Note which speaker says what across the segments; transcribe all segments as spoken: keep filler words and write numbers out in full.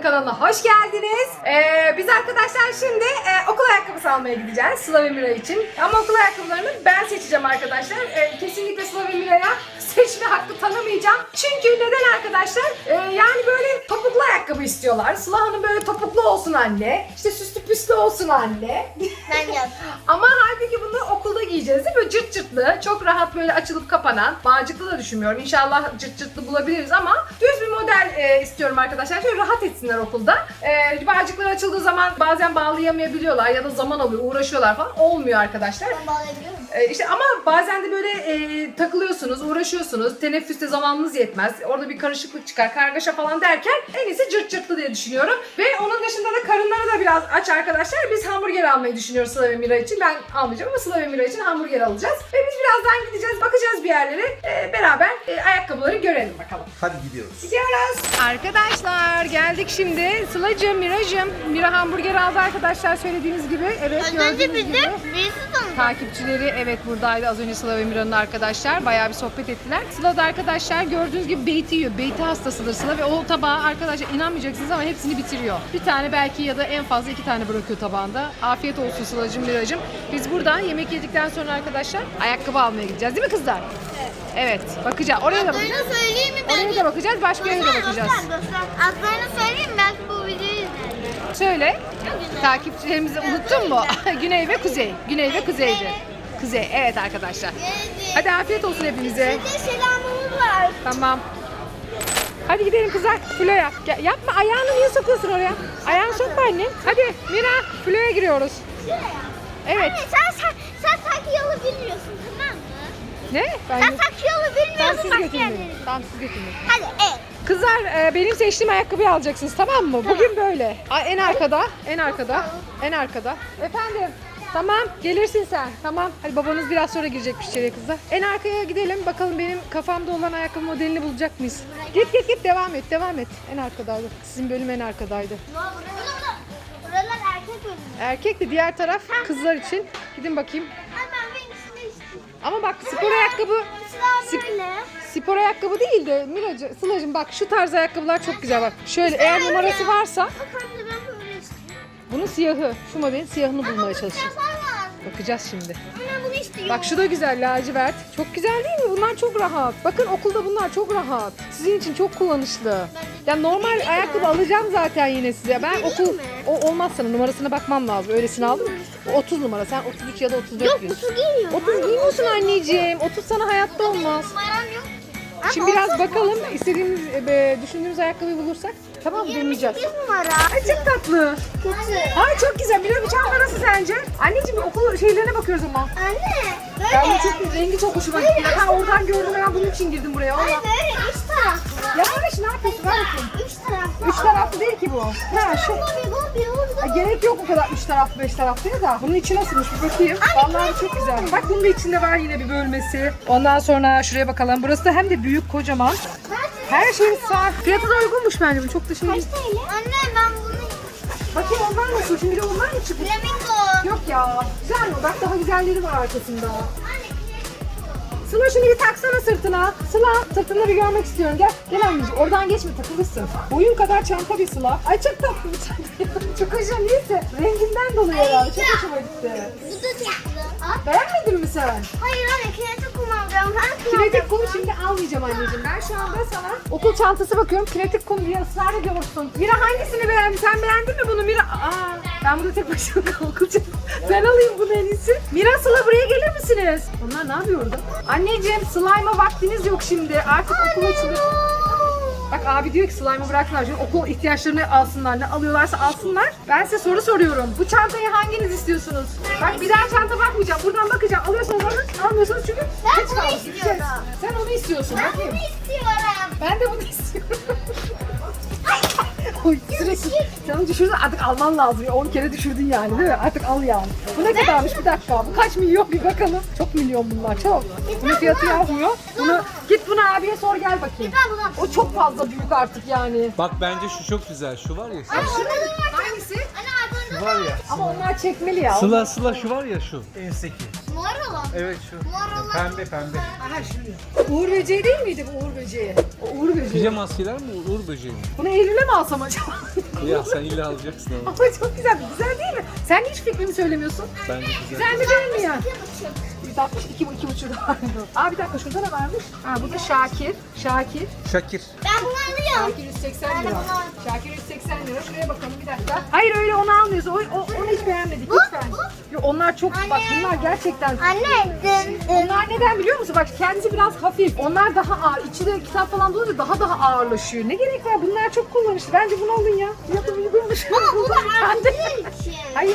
Speaker 1: kanalına hoş geldiniz. Ee, biz arkadaşlar şimdi e, okul ayakkabısı almaya gideceğiz Sıla ve Mira için. Ama okul ayakkabılarını ben seçeceğim arkadaşlar. E, kesinlikle Sıla ve Mira'ya seçme hakkı tanımayacağım. Çünkü neden arkadaşlar? E, yani böyle topuklu ayakkabı istiyorlar. Sıla Hanım böyle topuklu olsun anne. İşte süslü püslü olsun anne.
Speaker 2: Ben yap.
Speaker 1: Ama halbuki bunu okulda giyeceğiz değil mi? Cırt cırtlı, çok rahat böyle açılıp kapanan. Bağcıklı da düşünmüyorum. İnşallah cırt cırtlı bulabiliriz ama düz bir model e, istiyorum arkadaşlar. Şöyle rahat etsinler okulda. E, bağcıklar açıldığı zaman bazen bağlayamayabiliyorlar ya da zaman alıyor, uğraşıyorlar falan. Olmuyor arkadaşlar.
Speaker 2: Ben bağlayabiliyor muyum?
Speaker 1: E, işte ama bazen de böyle e, takılıyorsunuz, uğraşıyorsunuz. Teneffüste zamanınız yetmez. Orada bir karışıklık çıkar, kargaşa falan derken en iyisi cırt cırtlı diye düşünüyorum. Ve onun dışında da karınları da biraz aç arkadaşlar. Biz hamburger almayı düşünüyoruz Sıla ve Mira için. Ben almayacağım ama Sıla ve Mira için hamburger alacağız. Ve biz birazdan gideceğiz, bakacağız bir yerlere. E, beraber e, ayakkabıları görelim bakalım.
Speaker 3: Hadi gidiyoruz.
Speaker 1: Gidiyoruz. Arkadaşlar geldik şimdi. Sıla'cığım, Mira'cığım. Mira hamburger aldı arkadaşlar söylediğiniz gibi. Evet,
Speaker 2: Az önce
Speaker 1: gördüğünüz
Speaker 2: bizim
Speaker 1: gibi.
Speaker 2: birisi tanıdı.
Speaker 1: Takipçileri evet buradaydı az önce Sıla ve Mira'nın arkadaşlar. Bayağı bir sohbet ettiler. Sıla da arkadaşlar gördüğünüz gibi beyti yiyor. Beyti hastasıdır Sıla ve o tabağı arkadaşlar inanmayacaksınız ama hepsini bitiriyor. Bir tane belki ya da en fazla iki tane bırakıyor tabağında. Afiyet olsun Sıla'cığım, Mira'cığım. Biz buradan yemek yedikten sonra arkadaşlar ayakkabı almaya gideceğiz değil mi kızlar? Evet. Bakacağız. Oraya da bakacağız.
Speaker 2: Adlarını söyleyeyim mi?
Speaker 1: Oraya da bakacağız. Başka yere de bakacağız.
Speaker 2: Adlarını söyleyeyim mi? Belki bu videoyu izlerler.
Speaker 1: Söyle. Takipçilerimizi unuttun mu? Güney ve Kuzey. Güney ve Kuzey'di. Kuzey. Evet arkadaşlar. Hadi afiyet olsun hepinize.
Speaker 2: Bir de selamımız var.
Speaker 1: Tamam. Hadi gidelim kızlar. Flo'ya. Gel- Yapma. Ayağını niye sokuyorsun oraya? Ayağını sokma annem. Hadi Mira. Flo'ya giriyoruz.
Speaker 2: Şuraya.
Speaker 1: Evet.
Speaker 2: Anne sen, sen, sen sanki yolu bilmiyorsun, tamam mı?
Speaker 1: Ne? Ben
Speaker 2: Sen sanki yolu
Speaker 1: Tamam,
Speaker 2: bilmiyorsun,
Speaker 1: siz
Speaker 2: başka
Speaker 1: götürün
Speaker 2: yerlere.
Speaker 1: beni. Tamam, siz götürün beni.
Speaker 2: Hadi evet.
Speaker 1: Kızlar e, benim seçtiğim ayakkabıyı alacaksınız tamam mı? Bugün böyle. A- En arkada, en arkada, en arkada. Efendim? Tamam, gelirsin sen. Tamam. Hadi babanız biraz sonra girecekmiş içeriye kızlar. En arkaya gidelim. Bakalım benim kafamda olan ayakkabı modelini bulacak mıyız? Git git git devam et, devam et. En arkadaydı. Sizin bölüm en arkadaydı.
Speaker 2: Ne oldu? Buralar erkek bölümü.
Speaker 1: Erkek de diğer taraf kızlar için. Gidin bakayım.
Speaker 2: Ay ben benimkisini istiyorum.
Speaker 1: Ama bak spor ayakkabı
Speaker 2: Sıra
Speaker 1: Sip-
Speaker 2: böyle.
Speaker 1: spor ayakkabı değil de Miracı, Sıla'cığım bak şu tarz ayakkabılar çok güzel bak. Şöyle eğer numarası varsa
Speaker 2: Bak anne ben böyle istiyorum.
Speaker 1: bunun siyahı. Şu modelin siyahını bulmaya çalışacağız.
Speaker 2: Siyahlar var.
Speaker 1: Bakacağız şimdi.
Speaker 2: Anne bunu istiyorum.
Speaker 1: Bak şu da güzel lacivert. Çok güzel değil mi? Bunlar çok rahat. Bakın okulda bunlar çok rahat. Sizin için çok kullanışlı. Ya normal ayakkabı alacağım zaten yine size. Ben
Speaker 2: Vereyim
Speaker 1: okul
Speaker 2: mi?
Speaker 1: o olmaz sana numarasına bakmam lazım. Öylesini aldım. O otuz numara. Sen otuz üç ya da otuz dört
Speaker 2: Yok
Speaker 1: giyiyorsun.
Speaker 2: otuz giymiyorum.
Speaker 1: otuz giymiyorsun anneciğim. otuz sana hayatta olmaz.
Speaker 2: Numaram yok.
Speaker 1: Şimdi biraz bakalım istediğimiz, e, düşündüğümüz ayakkabıyı bulursak. Tamam mı? Deneyeceğiz.
Speaker 2: yirmi sekiz numara.
Speaker 1: Ay çok tatlı.
Speaker 2: Kötü.
Speaker 1: Ay çok güzel. Bir çanta nasıl sence? Anneciğim okul şeylerine bakıyoruz ama.
Speaker 2: Anne
Speaker 1: Ben
Speaker 2: böyle.
Speaker 1: bu çok rengi çok hoşuma gitti. Ben oradan gördüm ben bunun için girdim buraya.
Speaker 2: Ay
Speaker 1: Valla.
Speaker 2: böyle üç taraflı.
Speaker 1: Yavaş ne yapıyorsun? Ver bakayım.
Speaker 2: Üç taraflı.
Speaker 1: Üç taraflı değil ki bu. Ha şu.
Speaker 2: Bobby Bobby
Speaker 1: Ha,
Speaker 2: orada.
Speaker 1: gerek yok o kadar üç taraflı beş taraflı ya da. Bunun içi nasılmış bir bakayım. Vallahi çok güzel. Bak bunun da içinde var yine bir bölmesi. Ondan sonra şuraya bakalım. Burası da hem de büyük kocaman. Her şey sağ. Fiyatı da uygunmuş bence bu. Çok da şey değil.
Speaker 2: Kaç T L? Anne ben bunu
Speaker 1: Bakayım onlar nasıl? Şimdi bir de onlar mı çıkmış?
Speaker 2: flamingo.
Speaker 1: Yok ya. Güzel mi? Bak daha güzelleri var arkasında. Sıla şunu bir taksana sırtına. Sıla sırtını bir görmek istiyorum. Gel. Gel anneciğim. Oradan geçme takılırsın. Boyun kadar çanta bir Sıla. Ay çok tatlı bir çanta. Çok hoşuma neyse. Renginden dolayı herhalde. Çok hoşuma gitti.
Speaker 2: Bu da tatlı. Al.
Speaker 1: Beğenmedin mi sen?
Speaker 2: Hayır anne kinetik kum alacağım. Ben
Speaker 1: Kinetik kum şimdi almayacağım anneciğim. Ben şu anda sana okul çantası bakıyorum. Kinetik kum diye ısrar ediyorsun. Mira hangisini beğendi? Sen beğendin mi bunu Mira? Aa, ben burada tek başıma kalkacağım. Ben alayım bunu en iyisi. Mira, Sıla buraya gelir misiniz? Onlar ne yapıyor orada? Anneciğim slime'a vaktiniz yok şimdi. Artık okul açılır. Bak abi diyor ki slime'ı bıraksınlar. Şimdi okul ihtiyaçlarını alsınlar. Ne alıyorlarsa alsınlar. Ben size soru soruyorum. Bu çantayı hanginiz istiyorsunuz? Bak bir daha çanta bakmayacağım. Buradan bakacağım. Alıyorsanız alın. Almıyorsanız çünkü
Speaker 2: Ben
Speaker 1: geç
Speaker 2: bunu
Speaker 1: kaldık.
Speaker 2: istiyorum.
Speaker 1: Gideceğiz. Sen onu istiyorsun.
Speaker 2: Ben
Speaker 1: Bakayım.
Speaker 2: bunu istiyorum.
Speaker 1: Ben de bunu istiyorum. Oy sürekli sen onu düşürdün artık alman lazım. on kere düşürdün yani değil mi? Artık al yani. Bu ne kadarmış bir dakika. Bu kaç milyon bir bakalım. Çok milyon bunlar çok. Bunun fiyatı yazmıyor. Bunu git bunu abiye sor gel bakayım.
Speaker 2: Ben bunu.
Speaker 1: O çok fazla büyük artık yani.
Speaker 3: Bak bence şu çok güzel. Şu var ya.
Speaker 2: Anne orada da var.
Speaker 1: Hangisi?
Speaker 2: Anne arkamda
Speaker 3: Şu var ya.
Speaker 1: Ama onlar çekmeli ya.
Speaker 3: Sıla sıla şu var ya şu. En üstteki.
Speaker 2: Mor olan.
Speaker 3: Evet şu.
Speaker 2: Mor olan.
Speaker 3: Pembe pembe.
Speaker 1: Aha şimdi. Uğur böceği değil miydi bu Uğur böceği? O Uğur böceği.
Speaker 3: Pijama maskeler mi? Uğur böceği mi?
Speaker 1: Bunu Eylül'e mi alsam acaba?
Speaker 3: Ya sen illa alacaksın ama.
Speaker 1: Ama çok güzel. Güzel değil mi? Sen hiç fikrimi söylemiyorsun.
Speaker 3: Bence güzel.
Speaker 1: Güzel mi değil mi ya?
Speaker 2: İki buçuk.
Speaker 1: yüz altmış iki, iki buçuk da vardı. Aa bir dakika şurada ne varmış? Ha bu da Şakir. Şakir.
Speaker 3: Şakir.
Speaker 2: Ben bunu alıyorum.
Speaker 1: Şakir yüz seksen
Speaker 2: Ben de
Speaker 1: lira.
Speaker 2: bunu al-
Speaker 1: Şakir yüz seksen lira. Şuraya bakalım bir dakika. Hayır öyle onu almıyoruz. O, o, onu hiç beğenmedik
Speaker 2: Bu,
Speaker 1: lütfen.
Speaker 2: bu.
Speaker 1: Yok onlar çok bak bunlar gerçekten.
Speaker 2: Anne dın dın.
Speaker 1: Onlar neden biliyor musun? Bak kendisi biraz hafif. Onlar daha ağır. İçinde kitap falan dolunca daha daha ağırlaşıyor. Ne gerek var? Bunlar çok kullanışlı. Bence bunu alın ya. Fiyatı uygunmuş.
Speaker 2: Ama bu da
Speaker 1: Ben de-
Speaker 2: artı için.
Speaker 1: Hayır.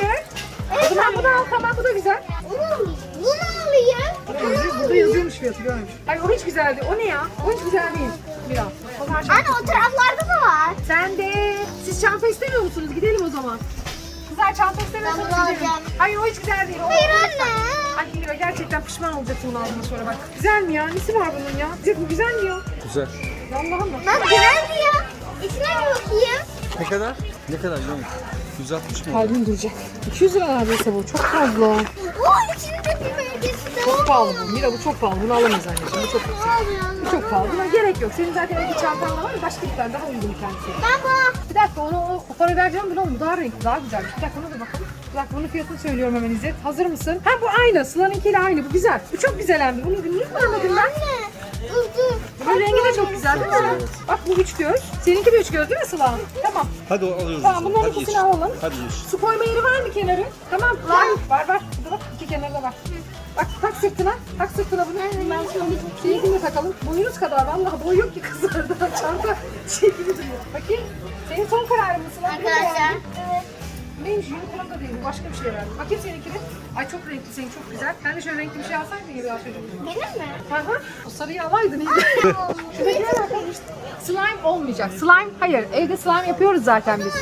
Speaker 1: O zaman bunu al. Tamam bu da güzel.
Speaker 2: Bunu, bunu alayım. Bunu
Speaker 1: Burada
Speaker 2: alayım.
Speaker 1: yazıyormuş fiyatı görmüş. Hayır o hiç güzel değil. O ne ya? O hiç güzel değil. Biraz. Onlar çok-
Speaker 2: Anne o taraflarda da var.
Speaker 1: Sen de. Siz çanta istemiyor musunuz? Gidelim o zaman. Kızlar çanta istemiyorsanız
Speaker 2: Ben bunu
Speaker 1: gidelim.
Speaker 2: alacağım.
Speaker 1: Hayır o hiç güzel değil. O,
Speaker 2: Hayır
Speaker 1: o-
Speaker 2: anne.
Speaker 1: Ay Mira gerçekten pişman olacaksın bunu aldığına sonra bak. Güzel mi ya? Nesi var bunun ya? Güzel, bu güzel mi ya?
Speaker 3: Güzel.
Speaker 1: Allah'ım bak.
Speaker 2: Lan güzeldi ya. İçine bir bakayım.
Speaker 3: Ne kadar? Ne kadar biliyor musun? yüz altmış mı?
Speaker 1: Kalbim duracak. iki yüz lira neredeyse bu. Çok fazla.
Speaker 2: Oo içinde bir bölgesi de
Speaker 1: Çok pahalı bu. Mira bu çok pahalı. Bunu alamayız anneciğim. Bu çok yüksek. Bu çok pahalı. Buna gerek yok. Senin zaten evde çantan da var ya başka bir tane daha uygun bir tanesi.
Speaker 2: Ben bu.
Speaker 1: Bir dakika onu o, o para vereceğim bunu oğlum. Bu daha renkli, daha güzelmiş. Bir dakika ona da bakalım. Bir dakika bunun fiyatını söylüyorum hemen İzzet. Hazır mısın? Ha bu aynı. Sıla'nınkiyle aynı. Bu güzel. Bu çok güzel hem de. Bunu niye koymadım ben?
Speaker 2: Anne. Dur dur.
Speaker 1: Bunun rengi de çok güzel değil mi? Bak bu üç göz. Seninki de üç göz değil mi Sıla? Tamam.
Speaker 3: Hadi o alıyoruz.
Speaker 1: Tamam bunların
Speaker 3: Hadi
Speaker 1: ikisini
Speaker 3: yeşil.
Speaker 1: alalım.
Speaker 3: Hadi yeşil.
Speaker 1: Su koyma yeri var mı kenarı? Tamam. Var. Var var. Burada bak. İki kenarda var. Bak tak sırtına. Tak sırtına bunu. Ben şöyle şeyini de takalım. Boyunuz kadar. Vallahi boy yok ki kızlarda. Çanta şey gibi duruyor. Bakayım. Senin son kararın mı Sıla?
Speaker 2: Arkadaşlar. Evet.
Speaker 1: Neymiş? Unicorn da değil. Bu başka bir şey herhalde. Bakayım seninkine. Ay çok renkli. Senin çok güzel. Sen de şöyle renkli bir şey alsaydın ya biraz çocuk.
Speaker 2: Benim mi?
Speaker 1: Hı hı. O sarıyı alaydın iyiydi. Şuradakine bakalım işte. Slime olmayacak. Slime hayır. Evde slime yapıyoruz zaten biz.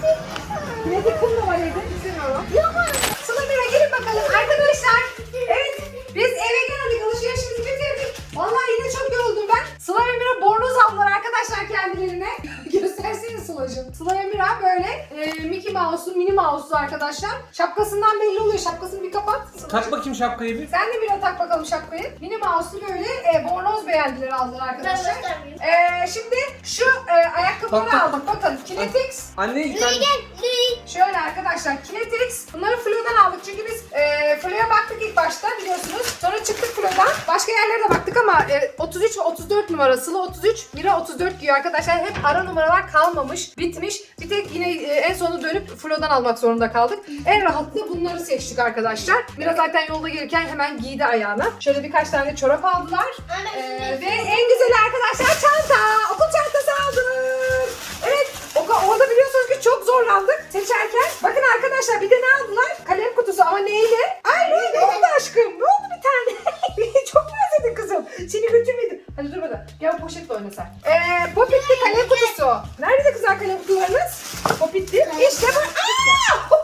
Speaker 1: Kinetik kum da var evde. İstemiyorum. Sıla Mira gelin bakalım. Arkadaşlar. Evet. Biz eve geldik. Alışverişimizi bitirdik. Vallahi yine çok yoruldum ben. Sıla ve Mira bornoz aldılar arkadaşlar kendilerine. Göstersene Sıla'cığım. Sıla ve Mira böyle e, Mickey Mouse'lu, Minnie Mouse'lu arkadaşlar. Şapkasından belli oluyor. Şapkasını bir kapat.
Speaker 3: Tak bakayım şapkayı bir.
Speaker 1: Sen de Mira tak bakalım şapkayı. Minnie Mouse'lu böyle e, bornoz beğendiler aldılar arkadaşlar.
Speaker 2: Ben göstermeyeyim.
Speaker 1: E, şimdi şu e, ayakkabıları
Speaker 3: Bak, bak,
Speaker 1: aldık. Bakın Kinetix.
Speaker 3: Anne
Speaker 2: Louis
Speaker 3: ben...
Speaker 2: gel. Louis.
Speaker 1: Şöyle arkadaşlar Kinetix. Bunları Flo'dan aldık çünkü biz e, Flo'ya baktık ilk başta biliyorsunuz. Sonra çıktık Flo'dan. Başka yerlere de baktık ama e, otuz üç ve otuz dört numarasılı otuz üç, Mira otuz dört giyiyor arkadaşlar. Hep ara numaralar kalmamış, bitmiş. Bir tek yine e, en sonunda dönüp Flo'dan almak zorunda kaldık. En rahatlı bunları seçtik arkadaşlar. Mira zaten yolda gelirken hemen giydi ayağına. Şöyle birkaç tane çorap aldılar.
Speaker 2: Anne,
Speaker 1: E,
Speaker 2: şunu-
Speaker 1: ve en güzeli arkadaşlar çanta. Okul çantası aldık. Evet. O- Orada biliyorsunuz ki çok zorlandık seçerken. Bakın arkadaşlar bir de ne aldılar? Kalem kutusu ama neyle? Ay ne, ne oldu aşkım? Ne oldu bir tane? Çok mu özledin kızım? Seni götürmedim. Hadi dur bakalım. Gel poşetle oyna sen. Ee, popitli kalem kutusu. Nerede kızlar kalem kutularınız? Popitli. İşte bu. Aa!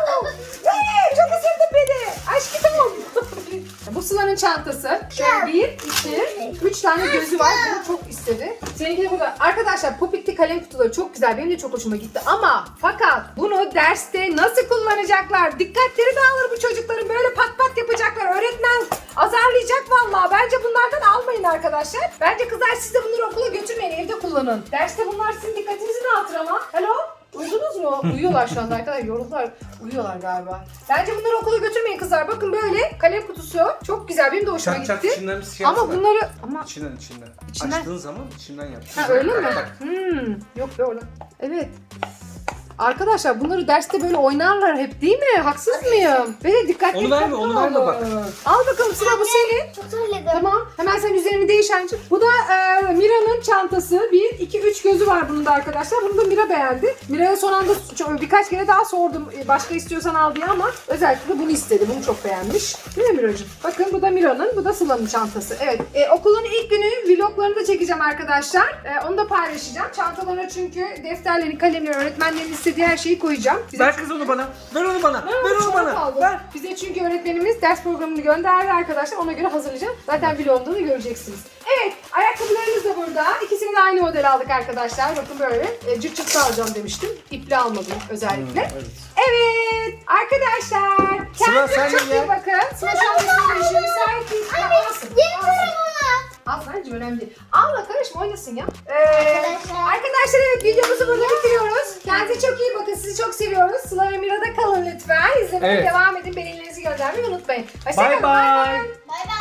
Speaker 1: Ee, çok ısırdın beni. Aşkım. Bu Sıla'nın çantası. Şöyle bir, iki, üç tane gözü var. Bunu çok istedi. Seninki de burada. Arkadaşlar popitli kalem kutuları çok güzel. Benim de çok hoşuma gitti. Ama fakat bunu derste nasıl kullanacaklar? Dikkatleri dağılır bu çocukların. Böyle pat pat yapacaklar. Öğretmen azarlayacak vallahi. Bence bunlardan almayın arkadaşlar. Bence kızlar siz de bunları okula götürmeyin. Evde kullanın. Derste bunlar sizin dikkatinizi dağıtır ama. Alo? Uyudunuz mu? Uyuyorlar şu anda arkadaşlar. Yoruldular. Uyuyorlar galiba. Bence bunları okula götürmeyin kızlar. Bakın böyle kalem kutusu. Çok güzel. Benim de hoşuma
Speaker 3: Çak çak
Speaker 1: gitti.
Speaker 3: içinden bir şey
Speaker 1: Ama
Speaker 3: yapsana.
Speaker 1: bunları... Ama...
Speaker 3: İçinden içinden.
Speaker 1: İçinden-
Speaker 3: Açtığın zaman içinden yap.
Speaker 1: Ha öyle mi?
Speaker 3: Bak, bak.
Speaker 1: Hmm. Yok be öyle. Evet. Arkadaşlar bunları derste böyle oynarlar hep değil mi? Haksız mıyım? Böyle dikkatli
Speaker 3: Onu verme,
Speaker 1: dikkatli
Speaker 3: onu verme
Speaker 1: olun.
Speaker 3: bak.
Speaker 1: Al bakalım Sıla bu senin.
Speaker 2: Çok söyledim.
Speaker 1: Tamam. Hemen sen üzerini değiş anneciğim. Bu da e, Mira'nın çantası. Bir, iki, üç gözü var bunun da arkadaşlar. Bunu da Mira beğendi. Mira'ya son anda çok- birkaç kere daha sordum. e, Başka istiyorsan al diye ama özellikle bunu istedi. Bunu çok beğenmiş. Değil mi Miracığım? Bakın bu da Mira'nın, bu da Sıla'nın çantası. Evet. E, okulun ilk günü vloglarını da çekeceğim arkadaşlar. E, onu da paylaşacağım. Çantalarına çünkü defterlerini, kalemleri, öğretmenlerin istediği her şeyi koyacağım. Bize
Speaker 3: Ver kız onu bana. Ver onu bana.
Speaker 1: Ha,
Speaker 3: Ver onu
Speaker 1: çok
Speaker 3: bana.
Speaker 1: aldım.
Speaker 3: Ver.
Speaker 1: Bize çünkü öğretmenimiz ders programını gönderdi arkadaşlar. Ona göre hazırlayacağım. Zaten vlogunda da göreceksiniz. Evet, ayakkabılarımız da burada. İkisini ikisini de aynı model aldık arkadaşlar. Bakın böyle e, cırt cırt alacağım demiştim. İpli almadım özellikle.
Speaker 3: Hmm, evet.
Speaker 1: Evet arkadaşlar.
Speaker 3: Sıla,
Speaker 1: Kendinize
Speaker 3: sen de
Speaker 1: çok iyi
Speaker 3: gel.
Speaker 1: bakın. Sıla şu an resim işi müsait değil.
Speaker 2: Anne,
Speaker 1: Alsın,
Speaker 2: yeni
Speaker 1: alsın.
Speaker 2: tarafına.
Speaker 1: Al anneciğim önemli değil. Alma karışma oynasın ya. Ee,
Speaker 2: Arkadaşlar.
Speaker 1: arkadaşlar evet videomuzu burada bitiriyoruz. Kendinize çok iyi bakın. Sizi çok seviyoruz. Sıla ve Mira'da kalın lütfen. İzlemeye
Speaker 3: Evet.
Speaker 1: devam edin. Beğenilerinizi göndermeyi unutmayın. Hoşçakalın.
Speaker 3: Bye bye.
Speaker 2: Bay bay.